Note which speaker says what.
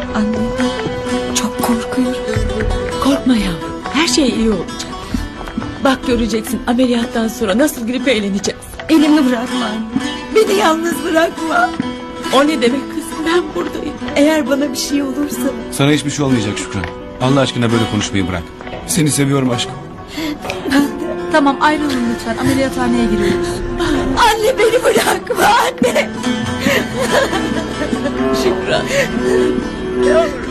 Speaker 1: Anne, çok korkuyorum.
Speaker 2: Korkma yavrum. Her şey iyi olacak. Bak göreceksin ameliyattan sonra nasıl gülüp eğleneceğiz.
Speaker 1: Elimi bırakma anne. Beni yalnız bırakma.
Speaker 2: O ne demek kızım, ben buradayım.
Speaker 1: Eğer bana bir şey olursa...
Speaker 3: Sana hiçbir şey olmayacak Şükran. Allah aşkına böyle konuşmayı bırak. Seni seviyorum aşkım.
Speaker 4: Tamam, ayrılın lütfen. Ameliyathaneye giriyoruz.
Speaker 1: Anne, beni bırakma anne.
Speaker 2: Şükran.
Speaker 1: Yavrum.